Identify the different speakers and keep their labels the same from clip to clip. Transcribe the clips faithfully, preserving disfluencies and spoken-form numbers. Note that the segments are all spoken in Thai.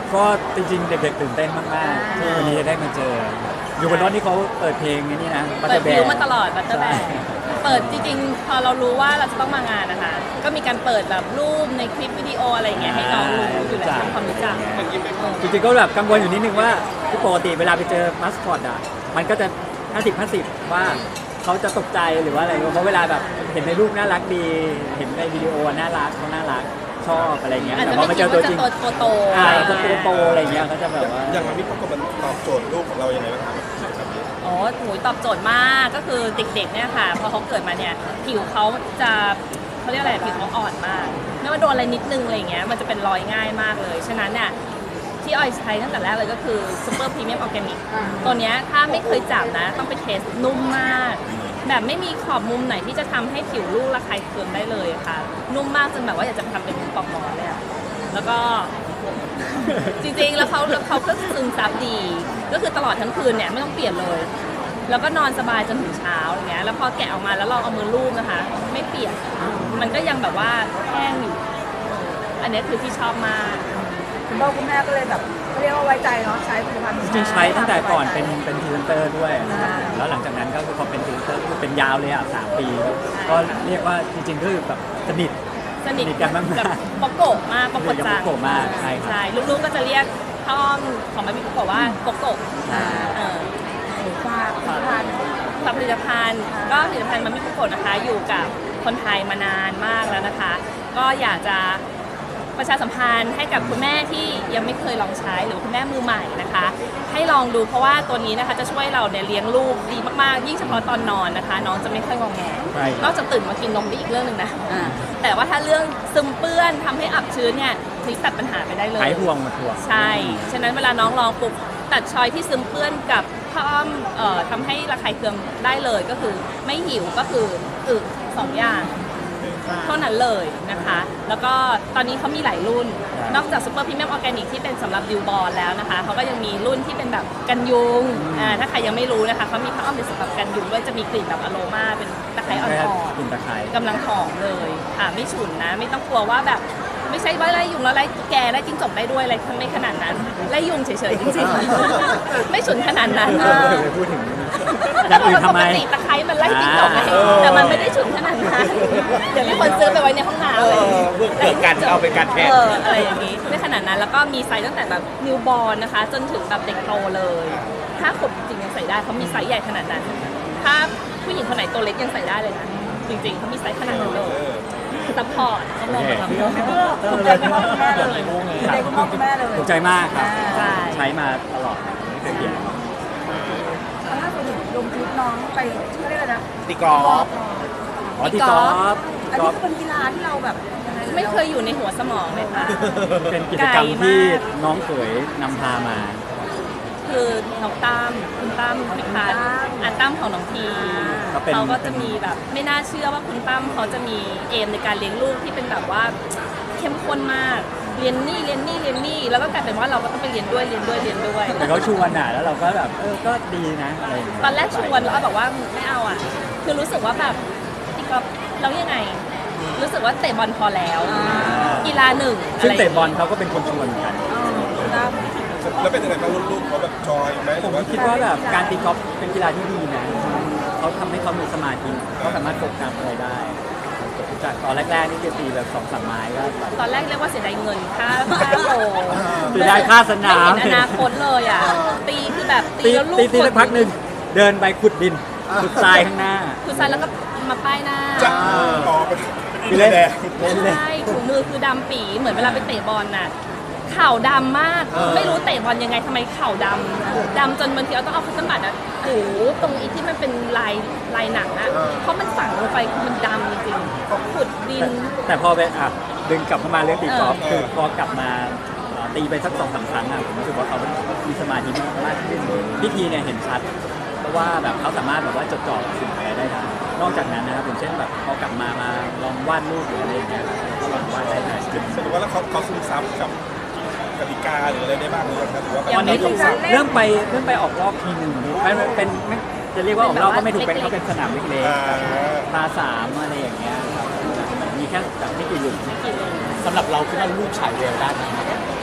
Speaker 1: ก็จริงๆเด็กๆตื่นเต้นมากๆที่วันนี้จะได้มาเจออยู่บนรถที่เขาเปิดเพลงนี่นะ
Speaker 2: เปิดวิวมาตลอดบัตเตอร์แบกเปิดจริงๆพอเรารู้ว่าเราจะต้องมางานนะคะก็มีการเปิดแบบรูปในคลิปวิดีโออะไรอย่างเงี้ยให้น้องรู้อยู่แล้วทำความรู้จัก
Speaker 1: จริงๆก็แบบกังวลอยู่นิดนึงว่าปกติเวลาไปเจอมัสคอตอ่ะมันก็จะห้าสิบ ห้าสิบว่าเขาจะตกใจหรือว่าอะไรเพราะเวลาแบบเห็นในรูปน่ารักดีเห็นในวิดีโอน่ารักเขาน่ารักชอบอะไรเงี้ยแต่พอมาเจอตัวจริง
Speaker 2: ตัวโต
Speaker 1: อ่าตัวโตอะไรเงี้ยเขาจะแบบว่า
Speaker 3: อย่างมันมีประกบมันตอบโจทย์ลูกของเรายังไงบ้างครับ
Speaker 2: อ๋อโหตอบโจทย์มากก็คือเด็กๆเนี่ยค่ะพอเขาเกิดมาเนี่ยผิวเขาจะเขาเรียกอะไรผิวเขาอ่อนมากไม่ว่าโดนอะไรนิดนึงอะไรเงี้ยมันจะเป็นรอยง่ายมากเลยฉะนั้นเนี่ยที่ออยใช้ตั้งแต่แรกเลยก็คือซูเปอร์พรีเมียมออร์แกนิกตัวเนี้ยถ้าไม่เคยจับนะต้องไปเทสนุ่มมากแบบไม่มีขอบมุมไหนที่จะทำให้ผิวลูกระคายเคืองได้เลยค่ะนุ่มมากจนแบบว่าอยากจะทำเป็นปลอกหมอนเลยอะแล้วก็จริงๆแล้วเขาเขาก็ซึมซับดีก็คือตลอดทั้งคืนเนี่ยไม่ต้องเปลี่ยนเลยแล้วก็นอนสบายจนถึงเช้าอย่างเงี้ยแล้วพอแกะออกมาแล้วลองเอามือลูบนะคะไม่เปียกมันก็ยังแบบว่าแห้งอยู่อันนี้คือที่ชอบมาก
Speaker 4: คุณพ่อคุณแม่ก็เลยแบบเรียกว่าไว้ใจเนาะใช้ผลิตภัณฑ์
Speaker 1: จริงๆใช้ตั้งแต่ก่อนเป็นเป็นพรีเซนเตอร์ด้วยแล้วหลังจากนั้นก็คือพอเป็นพรีเซนเตอร์คือเป็นยาวเลยอ่ะสามปีก็เรียกว่าจริงๆก็คือแบบสนิท
Speaker 2: สนิท
Speaker 1: กันมาก
Speaker 2: กับปกโกะมากปกโกะจัง
Speaker 1: ปกโกะมากใช่
Speaker 2: ใช่ลูกๆก็จะเรียกพ่อมของมันมีปกโกะว่าปกโกะเออ
Speaker 4: ฝากผลิตภัณฑ์
Speaker 2: ฝากผลิตภัณฑ์ก็ผลิตภัณฑ์มันมีปกโกะนะคะอยู่กับคนไทยมานานมากแล้วนะคะก็อยากจะประชาสัมพันธ์ให้กับคุณแม่ที่ยังไม่เคยลองใช้หรือคุณแม่มือใหม่นะคะให้ลองดูเพราะว่าตัวนี้นะคะจะช่วยเราเนี่ยเลี้ยงลูกดีมากๆยิ่งเฉพาะตอนนอนนะคะน้องจะไม่ค่อยงอแงนอกจากตื่นมากินนมได้อีกเรื่องหนึ่งนะแต่ว่าถ้าเรื่องซึมเปื้อนทำให้อับชื้นเนี่ยทิ้งตัดปัญหาไปได้เลย
Speaker 1: หายห่วงหมดห่วง
Speaker 2: ใช่ฉะนั้นเวลาน้องลองปุ๊บตัดชอยที่ซึมเปื้อนกับผ้าอ้อมเอ่อทำให้ระคายเคืองได้เลยก็คือไม่หิวก็คืออึสองอย่างเท่านั้นเลยนะคะแล้วก็ตอนนี้เขามีหลายรุ่นนอกจากซูเปอร์พรีเมียมออร์แกนิกที่เป็นสำหรับดิวบอลแล้วนะคะเขาก็ยังมีรุ่นที่เป็นแบบกันยุงอ่าถ้าใครยังไม่รู้นะคะเขามีผ้าอ้อมเป็นสำหรับกันยุงด้วยจะมีกลิ่นแบบอโรมาเป็นตะไคร้อ่อน
Speaker 1: ๆกลิ่นตะไคร้
Speaker 2: กำลังหอมเลยค่ะไม่ฉุนนะไม่ต้องกลัวว่าแบบไม่ใช่ว่าไล่ยุงแล้วไล่แกไล่จิ้งจกได้ด้วยอะไรไม่ขนาดนั้นไล่ยุงเฉยๆจริงๆไม่ฉุนขนาดนั้น
Speaker 1: พูดถึงอย่างอื่นทำไม
Speaker 2: ปกติตะไคร้มันไล่จิ้งจกไงแต่มันไม่ได้ฉุนขนาดนั้นเดี๋ยวมีคนซื้อไปไว้ในห้องน้ำเลย
Speaker 3: เพื่อเกิดการเอาเป็นการแทน
Speaker 2: อะไรอย่างนี้ไม่ขนาดนั้นแล้วก็มีไซส์ตั้งแต่แบบนิวบอร์นนะคะจนถึงแบบเด็กโตเลยถ้าขบจริงยังใส่ได้เขามีไซส์ใหญ่ขนาดนั้นถ้าผู้หญิงคนไหนตัวเล็กยังใส่ได้เลยนะจริงๆเขามีไซส์ขนาดนั้นเลยซัพพอร์ตเขาลงมาทำ
Speaker 4: ถูกใจคุณพ่อคุณแม่เลยถูกใจคุณพ่อคุณแม่เลย
Speaker 1: ถูกใจมากครับใช้มาตลอดไม่เคยเปลี่ยน
Speaker 4: ล่าสุดลงคลิปน้องไปชื่ออะไรนะ
Speaker 3: ตีกอล์ฟ
Speaker 1: อ๋อตีกอล์ฟ
Speaker 4: อันนี้เป็นกีฬาที่เราแบบ
Speaker 2: ไม่เคยอยู่ในหัวสมองเลยค่ะ
Speaker 1: เป็นกิจกรรมที่น้องเขยนำพามา
Speaker 2: คือน้องตั้มคุณตั้มพิพัฒน์อันตั้มของน้องพีเขาก็จะมีแบบไม่น่าเชื่อว่าคุณตั้มเขาจะมีเอมในการเลี้ยงลูกที่เป็นแบบว่าเข้มข้นมากเรียนนี่เรียนนี่เรียนนี่แล้วก็กลายเป็นว่าเราก็ต้องไปเรียนด้วยเรียนด้วยเรียนด้วย
Speaker 1: เขาชวนอ่ะแล้วเราก็แบบเออก็ดีนะอะไร
Speaker 2: ตอนแรกชวนแล้วก็แบบว่าไม่เอาอ่ะคือรู้สึกว่าแบบตีกอล์ฟแล้วยังไงรู้สึกว่าเตะบอลพอแล้วกีฬาหนึ่ง
Speaker 1: ซึ่งเตะบอลเขาก็เป็นคนชวนเหมือนกัน
Speaker 3: แล้วเป็นยังไงบ้างลูกๆเขาแบบจอยไหม
Speaker 1: ผมคิดว่าแบบการตีกอล์ฟเป็นกีฬาที่ดีนะเขาทำให้เขามีสมาธิเขาสามารถโฟกัสอะไรได้จากตอนแรกๆนี่จะตีแบบสองสามไม้ก็
Speaker 2: ตอนแรกเรียกว่าเสียดายเงินค่าค่าโล
Speaker 1: เสียดายค่าสนาม
Speaker 2: อนาคตเลยอ่ะตีคือแบบตีแล้วลูก
Speaker 1: ตีสักพักหนึ่งเดินไปขุดดินขุดทรายข้างหน้า
Speaker 2: ขุดทรายแล้วก็มาป้ายหน้า
Speaker 3: จับต่อไป
Speaker 1: เล่น
Speaker 2: ใช่ถุงมือคือดำปีเหมือนเวลาไปเตะบอลน่ะเข่าดำมากไม่รู้เตะบอลยังไงทำไมเข่าดำดำจนบางทีเราต้องเอาคัตเตอร์บัตอ่ะโอ้ตรงอีที่มันเป็นลายลายหนังอ่ะเพราะมันฝังลงไปคือมันดำจริงๆขุดดิน
Speaker 1: แต่พอไปอ่ะดึงกลับมาเรื่องตีกอล์ฟคือพอกลับมาตีไปสักสองสามครั้งอ่ะผมรู้สึกว่าเขามีสมาธิมากขึ้นพิธีเนี่ยเห็นชัดเพราะว่าแบบเขาสามารถแบบว่าจดจ่อสิ่งอะไรได้ทันนอกจากนั้นนะครับอย่างเช่นแบบพอกลับมามาลองวาดรูปหรืออะไรอย่างเงี้ยก็ลองวาดได้ทัน
Speaker 3: สรุปว่าแล้วเขาเขาซึมซับกับกติกาหรืออะไรได้บ้างหรือครับหรือว่า
Speaker 1: วันนี้เริ่มไปเริ่มไปออกรอบทีหนึ่งเป็นเป็นจะเรียกว่าออกรอบก็ไม่ถูกเป็นเขาเป็นสนามเล็กๆพาสามอะไรอย่างเงี้ยครับมีแค่แบบไม่กี่หลุม
Speaker 5: สำหรับเราคิดว่าลูกฉายแววได้ไหม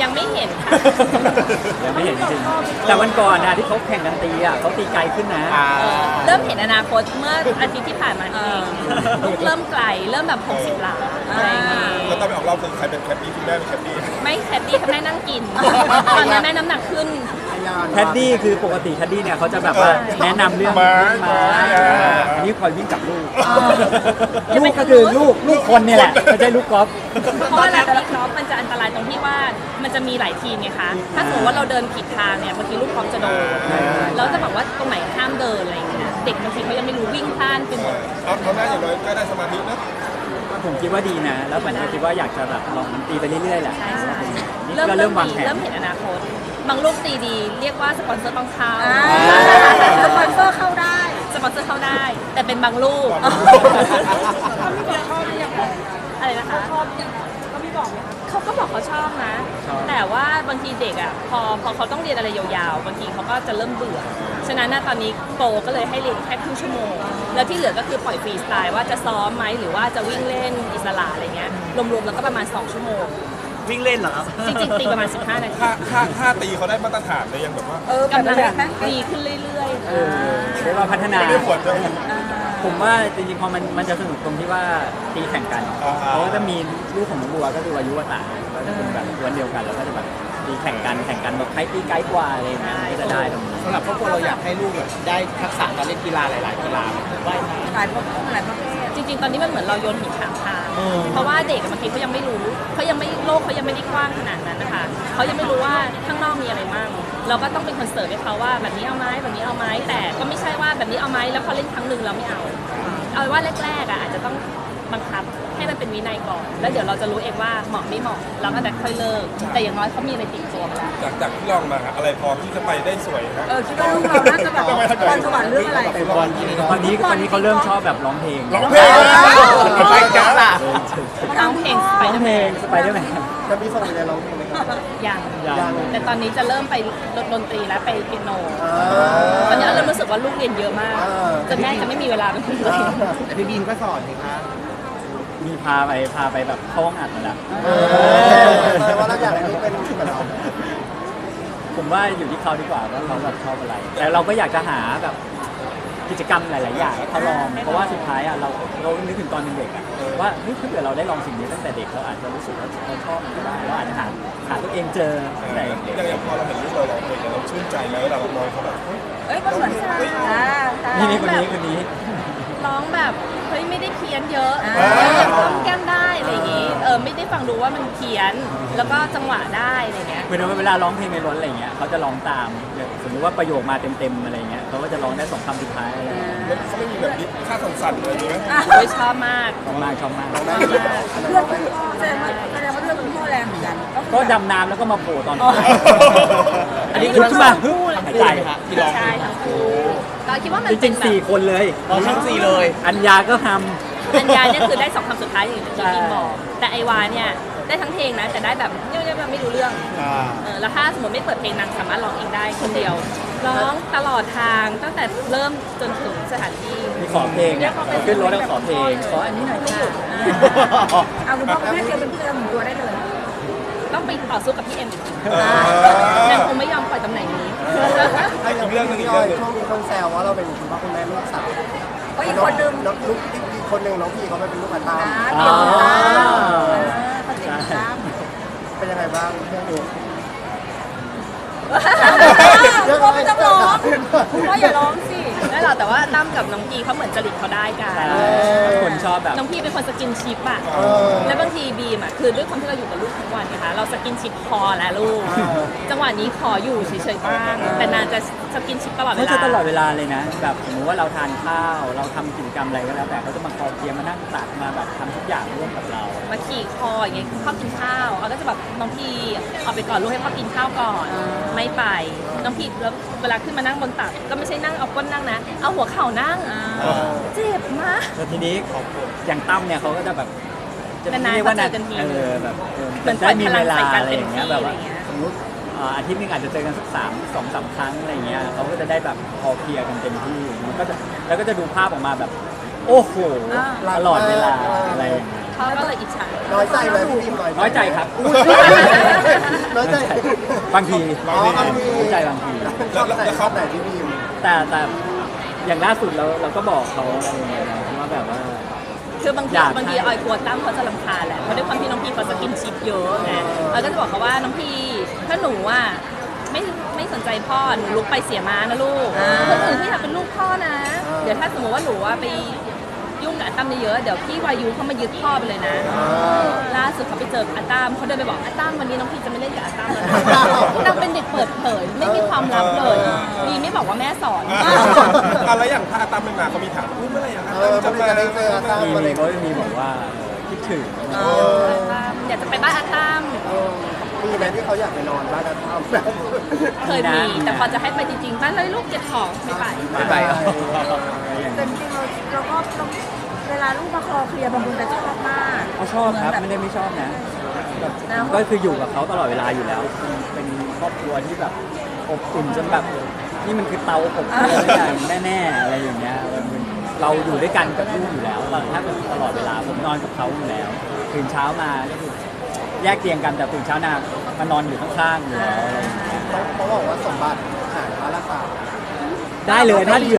Speaker 2: ยังไม่เห็นค่ะ
Speaker 1: ยังไม่เห็นจริงๆแต่วันก่อนนะที่เขาแข่งกันตีอ่ะเขาตีไกลขึ้นนะ
Speaker 3: อ่า
Speaker 2: เออเริ่มเห็นอนาคตเมื่ออาทิตย์ที่ผ่านมานี่เองลูกเริ่มไกลเริ่มแบบหกสิบหลาอะไรอย่างงี้
Speaker 3: แล้วตอนไปออกรอบคือใครเป็นแคปปี้คุณแม่เป็นแคปปี้
Speaker 2: ไม่แคดดี้แม่นั่งกิน ตอนนี้แม่น้ำหนักขึ้น
Speaker 1: แคดดี้คือปกติแคดดี้เนี่ยเขาจะแบบว่าแนะนำเรื่อง
Speaker 3: ไม้
Speaker 1: ไม้
Speaker 3: ไม้
Speaker 1: อันนี้คอยวิ่งกับลูกลูกก็คือลูกลูกคนเนี่ยแหละไม่ใช่ลูกกอล์ฟ
Speaker 2: เพราะเวลาตีกอล์ฟมันจะอันตรายตรงที่ว่ามันจะมีหลายทีมไงคะ ถ้าสมมติว่าเราเดินผิดทางเนี่ยบางทีลูกกอล์ฟจะโดนแล้วจะบอกว่าตรงไหนห้ามเดินอะไรอย่างเงี้ย เด็กบางทีเขายังไม่รู้วิ่งพลาดไปหมด
Speaker 3: เอาเอาหน้าอย่างน้อยก็ได้สมาธินะ
Speaker 1: ผมคิดว่าดีนะ แล้วผมก็คิดว่าอยากจะแบบลองตีไปเรื่อยๆแหละ
Speaker 2: ใช่ใช่
Speaker 1: นี่
Speaker 2: เริ่ม
Speaker 1: ก็
Speaker 2: เริ่
Speaker 1: เริ่
Speaker 2: ม
Speaker 1: มวาง
Speaker 2: ดี
Speaker 1: แผน
Speaker 2: เริ่มเห็นอนาคต บางลูกตีดีเรียกว่าสปอนเซอร์ต้องเข้า
Speaker 4: อ่าสปอนเซอร์เข้าได้
Speaker 2: สปอนเซอร์เข้าได้ แต่เป็นบางลูก
Speaker 4: เขาไม่บอกชอบหรือยัง
Speaker 2: อะไรนะคะ
Speaker 4: ชอบยังเขาไม่บอกไหมคะ
Speaker 2: เขาก็บอกเขาชอบนะ
Speaker 1: ชอบ
Speaker 2: แต่ว่าบางทีเด็กอ่ะพอพอเขาต้องเรียนอะไรยาวๆ บางทีเขาก็จะเริ่มเบื่อ ฉะนั้นนะตอนนี้โปรก็เลยให้เรียนแค่ครึ่งชั่วโมง แล้วที่เหลือก็คือปล่อยฟรีสไตล์ว่าจะซ้อมไหมหรือว่าจะวิ่งเล่นอิสระอะไรเงี้ย รวมๆแล้วก็ประมาณสองชั่วโมง
Speaker 5: วิ่งเล่นเหรอครับ
Speaker 2: จริงๆตีประมาณสิบห้านาที
Speaker 3: ถ้าถ้าถ้าตีเขาได้มาตรฐานเลยยังแบบว่า
Speaker 4: เออก
Speaker 2: ำลัง
Speaker 4: แบบนั้น
Speaker 2: ดีขึ้นเรื่อย
Speaker 1: เออเรียกว่าพัฒนา
Speaker 3: ไม่ได้ผลจะ
Speaker 1: ผมว่าจริงๆพอมันมันจะสนุกตรงที่ว่าตีแข่งกัน
Speaker 3: อ่า
Speaker 1: เพราะว่าจะมีลูกของน้องบัวก็คืออายุวตาก็จะเป็นแบบกวนเดียวกันแล้วก็จะแบบตีแข่งกันแข่งกันแบบใครตีไกลกว่าอะไรอย่างเงี้ยมันก็จะได้ตรงนี้
Speaker 5: สำหรับครอบครัวเราอยากให้ลูกแบบได้ทักษะการเล่นกีฬาหลาย ๆ กีฬาว่ายน้ำ
Speaker 4: หลายประเภทหลายประเภท
Speaker 2: ๆ จริงๆ ตอนนี้มันเหมือนเราโยนหินถามทาง
Speaker 5: เออ
Speaker 2: เพราะว่าเด็กอะบางทีเขายังไม่รู้เขายังไม่โลกเขายังไม่ได้กว้างขนาดนั้นนะคะเขายังไม่รู้ว่าข้างนอกมีอะไรมั่งเราก็ต้องเป็นคนเสิร์ฟให้เขาว่าแบบนี้เอาไหมแบบนี้เอาไหมแต่ก็ไม่ใช่ว่าแบบนี้เอาไหมแล้วพอเล่นครั้งหนึ่งเราไม่เอา เอาเป็นว่าแรกๆอ่ะอาจจะต้องบังคับให้มันเป็นวินัยก่อน แล้วเดี๋ยวเราจะรู้เองว่าเหมาะไม่เหมาะเราก็จะค่อยเลิก แต่อย่างน้อยเขามีอะไรติดตัวมาแล้ว
Speaker 3: จากจากที่ลองมาครับอะไรพอที่จะไปได้สวยครับ
Speaker 4: เออคิดว่าลูกเราน่าจะแบบพรสวรรค์เรื่องอะไร
Speaker 5: ฟุตบอลที่นี่เนาะ
Speaker 1: ตอนนี้ตอนนี้เขาเริ่มชอบแบบร้องเพลง
Speaker 3: ร้องเพลง
Speaker 5: ไปจ้าล่ะ
Speaker 2: ร้องเพลงสไป
Speaker 1: ร้อง
Speaker 2: เดอร์
Speaker 1: เพ
Speaker 2: แม
Speaker 1: ลง
Speaker 2: น
Speaker 1: สไปเดอร์แมน
Speaker 5: จะมีส่งไปเรียนร้องเพลงไหมครับ
Speaker 2: ยัง
Speaker 1: ยัง
Speaker 2: แต่ตอนนี้จะเริ่มไปดนตรีแล้วไปเปียโน ตอนนี้เริ่มรู้สึกว่าลูกเรียนเยอะมาก
Speaker 5: เออ
Speaker 2: จนแม่จะไม่มีเวลาเป็นของตัวเอง
Speaker 5: แต่พี่บีมก็สอนสิคะ
Speaker 1: มีพาไปพาไปแบบเข้าห้องอัดมาแล้ว
Speaker 5: แปลว่าเราอยากให้ลูกเป็นแบบเรา
Speaker 1: ผมว่าอยู่ที่เขาดีกว่าว่าเขาแบบชอบอะไร แต่เราก็อยากจะหาแบบกิจกรรมหลาย ๆ อย่างให้เขาลอง เพราะว่าสุดท้ายอ่ะเราเรานึกถึงตอนเป็นเด็กอ่ะว่าเฮ้ยถ้าเกิดเราได้ลองสิ่งนี้ตั้งแต่เด็กเราอาจจะรู้สึกว่าเราชอบมันก็ได้เราอาจจะหาหาตัวเองเจอตั้งแต่เด็ก
Speaker 3: อย่างอย่างพอเราเห็นลูกเราร้องเพลงเนี่ยเราชื่นใจไหมเวลาเรามองเขาแบบ
Speaker 4: เอ้ยก็เหมือนอ่าใช่
Speaker 1: นี่นี่คนนี้คนนี้
Speaker 2: ร้องแบบเฮ้ยไม่ได้เพี้ยนเยอะ
Speaker 4: อ่า
Speaker 2: ยังก้มแก้มได้อะไรอย่างงี้เออไม่ได้ฟังดูว่ามันเพี้ยนแล้วก็จังหวะได้อะไรเงี้ย
Speaker 1: เหมือนว่าเวลาร้องเพลงในรถอะไรเงี้ยเขาจะร้องตามอย่างสมมติว่าประโยคมาเต็ม ๆ อะไรเงี้ยเขาก็จะร้องได้สองคำสุดท้ายอะไรเงี้ย
Speaker 3: เขาไม่มีแบบนี้ค่าสั่นๆเลยใช่ไหม
Speaker 2: โอ้ยชอบมาก
Speaker 1: ชอบมากชอบมาก
Speaker 2: ชอบมาก
Speaker 4: เพื่อนคุณพ่อแสดงว่าแสดงว่าเรื่องคุณพ่อแรงเหมือนกันคือ
Speaker 1: ก็
Speaker 4: แบบ
Speaker 1: ดำน้ำแล้วก็มาโผล่ตอน
Speaker 2: อ๋อ
Speaker 1: ท้ายอันนี้คือขึ้นมาฮึบหายใจ
Speaker 5: ที่ร้อง
Speaker 2: ใช่ทั้งคู่เราคิดว่ามัน
Speaker 1: จ
Speaker 2: เป็
Speaker 1: ริ
Speaker 2: น
Speaker 1: ง
Speaker 2: แบ
Speaker 1: ๆสี่
Speaker 2: บ
Speaker 1: คนเลย
Speaker 5: ร้องทั้งสี่เลย
Speaker 1: อัญญาก็ท
Speaker 2: อัญญาเนี่ยคือได้สองคำสุดท้ายอย่างที่พี่บอก แต่ไอวาเนี่ยได้ทั้งเพลงนะแต่ได้แบบเนี่ยเนี่ยไม่รู้เรื่อง
Speaker 5: อ่า
Speaker 2: เออแล้วถ้าสมมติไม่เปิดเพลงนางสามารถร้องเองได้คนเดียว ร้องตลอดทางตั้งแต่เริ่มจนถึงสถานที่
Speaker 1: ำมีขอเพลงเนี่ยขึ้นรถแล้วขอเพลงขออันนี้หน่อย
Speaker 2: ไม่
Speaker 1: ค่ะ
Speaker 2: หยุดอ่า
Speaker 4: เอาคุณพ่อคุณแม่เตรียมเป็นเพื่อนหมุนตัวได้เลย
Speaker 2: ต้องไปต่อสู้กับพี่เอ็มอีกที
Speaker 3: อ่า
Speaker 2: นางคงไม่ยอมปล่อยตำแหน่งนี้
Speaker 3: อีกเรื่องหนึงอีก
Speaker 5: พี่
Speaker 3: เรื่
Speaker 5: อ้
Speaker 3: อ
Speaker 5: อง ย
Speaker 3: หนึง
Speaker 5: ช่วงนี้คนแซวว่าเราเป็นคุณพ่อคุณแม่ลูกสาว
Speaker 4: ก็อีกคนนึง
Speaker 5: น้องลูกอีกคนหนึ่งน้องพี่เขาไปเป็นลูกอัตตา
Speaker 4: อ่าเปลี่ยนตามเออเขาเปลี่ยนตาม
Speaker 5: เป็นยังไงบ้างเรื่องนี้
Speaker 4: คุณพ่อไม่ต้องร้องคุณพ่ออย่าร้องสิ
Speaker 2: ไม่หรอกแต่ว่าตั้มกับน้องพีเขาเหมือนจริตเขาได้กัน
Speaker 1: คนชอบแบบ
Speaker 2: น้องพีเป็นคนสกินชิปอะ
Speaker 5: เออ
Speaker 2: แล้วบางทีบีมอะคือด้วยความที่เราอยู่กับลูกทุกวันนะคะเราสกินชิปพอแล้วลูก จังหวะนี้ขออยู่เฉยๆบ้าง แต่นางจะสกินชิปตลอดเว
Speaker 1: เขา
Speaker 2: ลา
Speaker 1: จะตลอดเวลาเลยนะ แบบสมมติว่าเราทานข้าว เราทำกิจกรรมอะไรก็แล้วแต่เขาจะมาคอยเคลียร์มานั่งตักมาแบบทำทุกอย่างร่วมกับเรา
Speaker 2: มาขี่คออย่างเงี้ยพ่อกินข้าวเอาก็จะแบบน้องพีเอาไปก่อนลูกให้พ่อกินข้าวก่อน ไม่ไปน้องพีแล้วเวลาขึ้นมานั่งบนตักก็ไม่ใช่นั่งเอาก้นนั่งนะ เอาหัวเข่านั่งเจ็บมาก
Speaker 1: แล้วทีนี้อย่างตั้มเนี่ยเขาก็จะแบบจะ
Speaker 2: นานๆ
Speaker 1: เรียกว่า
Speaker 2: เขาเจอกันที
Speaker 1: เออแบบเออ
Speaker 2: เหมือน
Speaker 1: ได้มีเวลา
Speaker 2: ปล่อยพลังใส่กัน
Speaker 1: อะไรอย่างเงี้ย
Speaker 2: เต็มที่
Speaker 1: แบบว่า
Speaker 2: อะไรเงี้ย
Speaker 1: สมมติอ่าอาทิตย์หนึงอาจจะเจอกันสักสามสองสามครั้งอะไรเงี้ยเขาก็จะได้แบบพอเคลียร์กันเต็มที่มันก็จะแล้วก็จะดูภาพออกมาแบบโอ้โห
Speaker 4: อ่า
Speaker 1: ตลอดเวลาอะไรอย่างเงี้ย
Speaker 2: เขาก็เลยอิจฉา
Speaker 6: น้อยใจไหมพี่บีม
Speaker 1: น้อยใจครับ
Speaker 6: น้อยใจ
Speaker 1: บางที
Speaker 6: อ๋อบางที
Speaker 1: น้อยใจบางที
Speaker 6: ชอบไหนชอบไหนพี่บีม
Speaker 1: แต่แต่อย่างล่าสุดเราเราก็บอกเขาอะไรอย่างเงี้ยนะว่าแบบว่า
Speaker 2: คือบางที
Speaker 1: อยาก
Speaker 2: บางทีออยกลัวตั้มเขาจะรำคาญแหละเพราะด้วยความที่น้องพี่เขาสกินชิปเยอะไงออยก็จะบอกเขาว่าน้องพี่ถ้าหนูอ่ะไม่ไม่สนใจพ่อหนูลุกไปเสียม้านะลูกคนอื่นที่อยากเป็นลูกพ่อนะ เดี๋ยวถ้าสมมติว่าหนูว่าไปยุ่งกับอาตั้มเยอะๆเดี๋ยวพี่วายุเขามายึดพ่อไปเลยนะล่าสุดเขาไปเจออาตั้มเขาเดินไปบอกอาตั้มวันนี้น้องพี่จะไม่เล่นกับอาตั้มแล้วนะนางเป็นเด็กเปิดเผยไม่มีความลับเลยดีไม่บอกว่าแม่สอน
Speaker 3: อ่ะแล้วอย่างถ้าอาตามไม่มาเขามีถามอุ๊ยเมื่อไหร่อา
Speaker 6: เอ
Speaker 3: ตาม
Speaker 6: อ
Speaker 3: จะ
Speaker 6: มัน
Speaker 3: มา
Speaker 6: จะได้เจออาตาม
Speaker 1: มี
Speaker 6: อะไร
Speaker 1: มีเขาจะมีบอกว่าคิดถึง
Speaker 2: อยากจะไปบ้านอาตั้ม
Speaker 6: มีไหมที่เขาอยากไปนอนบ้านอาตามแบบ
Speaker 2: เคยมี แต่พอจะให้ไปจริงๆบ้านเลยลูกเก็บของไม่ไป
Speaker 1: ไม่ไปเอา
Speaker 4: แต่จริงๆเราเราก็ต้องเวลาลูกมาคลอเคลียร์บางคนจะชอบมาก
Speaker 1: เขาชอบครับไม่ได้ไม่ชอบนะแบบ
Speaker 4: นะ
Speaker 1: ก็คืออยู่กับเขาตลอดเวลาอยู่แล้ว เป็นครอบครัวที่แบบอบอุ่นจนแบบนี่มันคือเตาอบอุ่นอย่างแน่ๆอะไรอย่างเงี้ยเราอยู่ด้วยกันกับลูกอยู่แล้วถ้าเป็นตลอดเวลาผมนอนกับเขาอยู่แล้วตื่นเช้ามาก็คือแยกเตียงกันแต่ตื่นเช้ามามานอนอยู่ข้างๆอยู่แล้วอะไรอย่างเงี้ย
Speaker 6: เขาเขาบอกว่าสมบัติหายพระละสาม
Speaker 1: ได้เลยถ้าเหลือ